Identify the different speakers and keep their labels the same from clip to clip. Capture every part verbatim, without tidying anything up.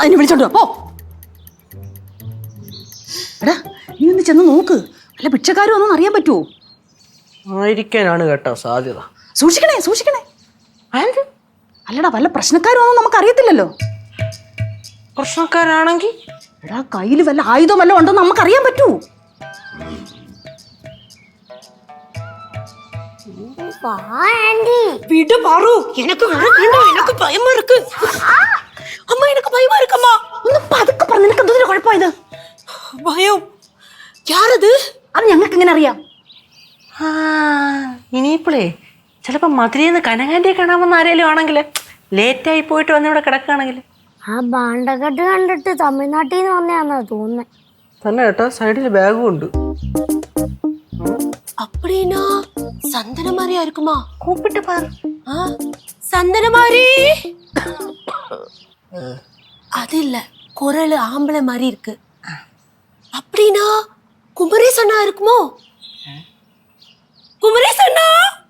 Speaker 1: അതിനെ വിളിച്ചോണ്ട് പോ. എടാ നീ ഒന്ന് ചെന്ന് നോക്ക്, അല്ല ഭിക്ഷക്കാരും ഒന്നും അറിയാൻ പറ്റുമോ?
Speaker 2: ആയിരിക്കാനാണ് കേട്ടോ സാധ്യത.
Speaker 1: സൂക്ഷിക്കണേ സൂക്ഷിക്കണേ. അല്ലടാ വല്ല പ്രശ്നക്കാരും ഒന്നും നമുക്ക് അറിയത്തില്ലല്ലോ.
Speaker 2: പ്രശ്നക്കാരാണെങ്കിൽ
Speaker 1: എടാ കയ്യിൽ വല്ല ആയുധം വല്ല ഉണ്ടോ നമുക്ക് അറിയാൻ പറ്റൂ.
Speaker 3: விடு பாரு, எனக்கு வேண்டாம், எனக்கு பயமா இருக்கு. அம்மா எனக்கு பயமா இருக்குமா.
Speaker 1: ഒന്ന് പതുക്കെ പറ, നിനക്ക് എന്തൊരു കുഴപ്പമായത്?
Speaker 3: ഭയം യാരത്?
Speaker 1: അത് ഞങ്ങൾക്ക് എങ്ങനെ അറിയാം?
Speaker 2: ആ ഇനിയിപ്പോളേ ചിലപ്പോൾ മധുരയിൽ കനകാൻ്റെ കാണാമെന്ന് ആരെങ്കിലും ആണെങ്കിൽ ലേറ്റായി പോയിട്ട് വന്ന് ഇവിടെ കിടക്കുകയാണെങ്കിൽ
Speaker 4: ആ ബാണ്ടക്കെട്ട് കണ്ടിട്ട് തമിഴ്നാട്ടിൽ നിന്ന് വന്നതാണെന്നാ തോന്നുന്നത്.
Speaker 2: തന്നെ കേട്ടോ, സൈഡിൽ ബാഗും ഉണ്ട്.
Speaker 3: அப்படினா சந்தன மாதிரியா இருக்குமா?
Speaker 2: கூப்பிட்டு பாரு.
Speaker 3: சந்தன மாதிரி அது இல்ல, குரல் ஆம்பளை மாதிரி இருக்கு. அப்படினா குமரேச் அண்ணா இருக்குமோ? குமரேச் அண்ணா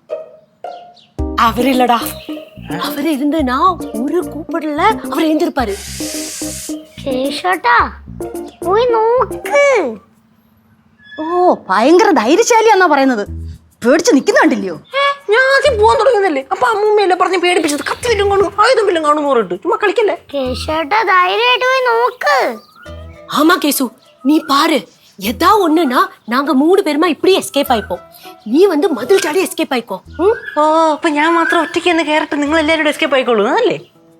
Speaker 3: அவர் இல்லடா, அவர் இருந்தனா ஒரு கூப்பிடல அவர் எழுந்திருப்பாரு.
Speaker 4: കേശോട്ടാ പോയി നോക്ക്.
Speaker 1: ഓ ഭയങ്കര ധൈര്യശാലിയാന്നാ പറയുന്നത്. പേടിച്ച് നിൽക്കുന്ന കണ്ടില്ലയോ?
Speaker 2: ഞാൻ ആദ്യം പോകാൻ തുടങ്ങുന്നല്ലേ, അപ്പൊ അമ്മൂമ്മയല്ലേ പറഞ്ഞ് പേടിപ്പിച്ചത്. കത്തി വല്ലും കാണും ആയുധം വല്ലും കാണും പറഞ്ഞിട്ട് ചുമ്മാ കളിക്കല്ലേ.
Speaker 4: കേശോട്ടാ ധൈര്യമായിട്ട് പോയി നോക്ക്.
Speaker 3: ஆமா கேசு, நீ பாரு, எதா ஒண்ணுனா நாங்க மூணு பேருமா இப்படியே எஸ்கேப் ஆயிப்போம். நீ வந்து மதில் ചാടി എസ്കേപ്പ് ആയിക്കോ.
Speaker 2: ഓ അപ്പൊ ഞാൻ മാത്രം ഒറ്റയ്ക്ക് എന്ന് കയറിട്ട് നിങ്ങൾ എല്ലാവരും എസ്കേപ്പ് ആയിക്കോളൂ അല്ലേ?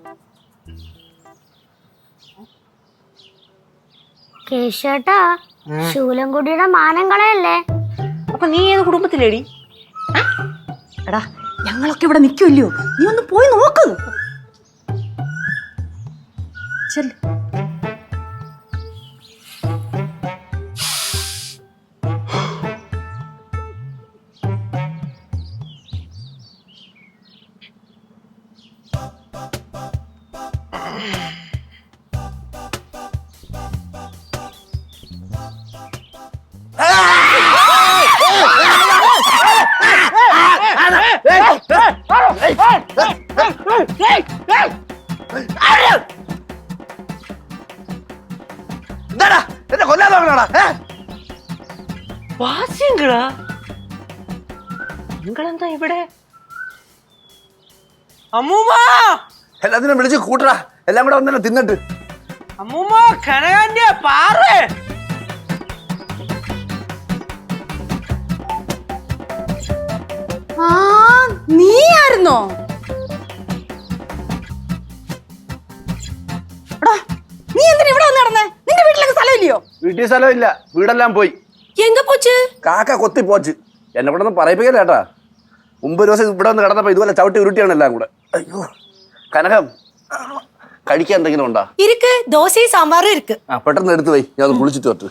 Speaker 4: കേശോട്ടാ ശൂലംകുടിയുടെ മാനം കളയല്ലേ.
Speaker 2: അപ്പൊ നീ ഏത് കുടുംബത്തിലേടി?
Speaker 1: എടാ ഞങ്ങളൊക്കെ ഇവിടെ നിൽക്കുമല്ലയോ, നീ ഒന്ന് പോയി നോക്ക്. ചെല്ല്.
Speaker 5: എന്താടാ എന്നെ കൊല്ലാൻ നോക്കണോടാ?
Speaker 2: വാസ്യങ്ങളാ നിങ്ങളെന്താ ഇവിടെ? അമ്മൂമ്മ
Speaker 5: എല്ലാത്തിനും വിളിച്ച് കൂട്ടടാ, എല്ലാം കൂടെ വന്നെ തിന്നിട്ട്.
Speaker 2: അമ്മൂമ്മ കനകാന്റെ പാറ്.
Speaker 1: ആ നീ ആയിരുന്നോ? എടാ നീ എന്തിനാ ഇവിടെ വന്ന് നടന്നേ? നിന്റെ വീട്ടിലൊക്കെ സ്ഥലമില്ലയോ?
Speaker 5: വീട്ടിൽ സ്ഥലമില്ല, വീടെല്ലാം പോയി.
Speaker 3: எங்க போச்சு?
Speaker 5: കാക്ക കൊത്തി പോച്ച്. എന്നെ കൂടെ ഒന്നും പറയിപ്പിക്കല്ലേ ഏട്ടാ. മുമ്പ് ഒരു ദിവസം ഇവിടെ വന്ന് കിടന്നപ്പോ ഇതുപോലെ ചവിട്ടി ഉരുട്ടിയാണ് എല്ലാം കൂടെ. അയ്യോ കനകം, കഴിക്കാൻ എന്തെങ്കിലും ഉണ്ടോ?
Speaker 3: இருக்கு, தோசை சாம்பாரும் இருக்கு.
Speaker 5: ആ പെട്ടെന്ന് എടുത്തു പോയി, ഞാൻ ഒന്ന് കുളിച്ചിട്ട് വരട്ടെ.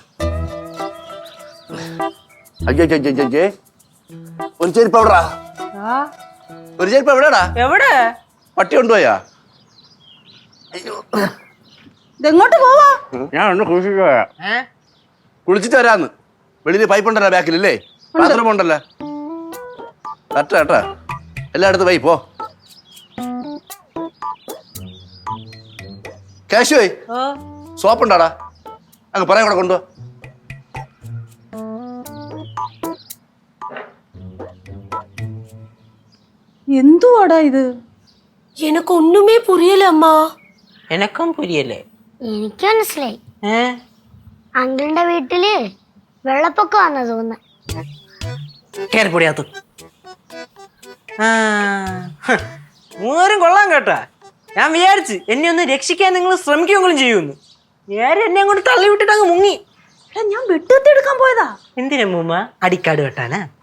Speaker 5: അയ്യോ അയ്യേ, ഒരു ചെരുപ്പ് എവിടാ? ഒരു ചെരുപ്പ് എവിടെടാ?
Speaker 2: എവിടെ?
Speaker 5: പട്ടി കൊണ്ടുപോയാ? അയ്യോ
Speaker 1: ഇതെങ്ങോട്ട് പോവാ?
Speaker 5: ഞാൻ ഒന്ന് കുളിച്ചിട്ട് പോയാ. കുളിച്ചിട്ട് വരാന്ന്. വെളിയിൽ പൈപ്പ് ഉണ്ടല്ലോ ബാക്കിലല്ലേ, ബാത്റൂം ഉണ്ടല്ലോ. കറക്റ്റാ കേട്ടാ, എല്ലായിടത്തും വൈ പോ. കാശുവേ സോപ്പ് ഉണ്ടാടാ, അങ്ങ് പറയാൻ കൂടെ കൊണ്ടുപോ.
Speaker 1: എന്തുവാടാ ഇത്?
Speaker 3: எனக்கு ஒண்ணுமே புரியல அம்மா.
Speaker 2: എനക്കും പുരിയല്ലേ?
Speaker 4: എനിക്ക് മനസ്സിലായി.
Speaker 2: ഏ
Speaker 4: അങ്കിളിന്റെ വീട്ടില് വെള്ളപ്പൊക്കം വന്ന തോന്നുന്നു.
Speaker 2: കേറിപ്പൊടിയാത്തു. ആ മൂന്നേരും കൊള്ളാൻ കേട്ടാ. ഞാൻ വിചാരിച്ച് എന്നെ ഒന്ന് രക്ഷിക്കാൻ നിങ്ങൾ ശ്രമിക്കുമെങ്കിലും ചെയ്യുമെന്ന്. നേരെ എന്നെ അങ്ങോട്ട് തള്ളി വിട്ടിട്ട് അങ്ങ് മുങ്ങി.
Speaker 1: എടാ ഞാൻ വെട്ടുകത്തി എടുക്കാൻ പോയതാ.
Speaker 2: എന്തിനാ മൂമ്മ? അടിക്കാട് വെട്ടാനാ?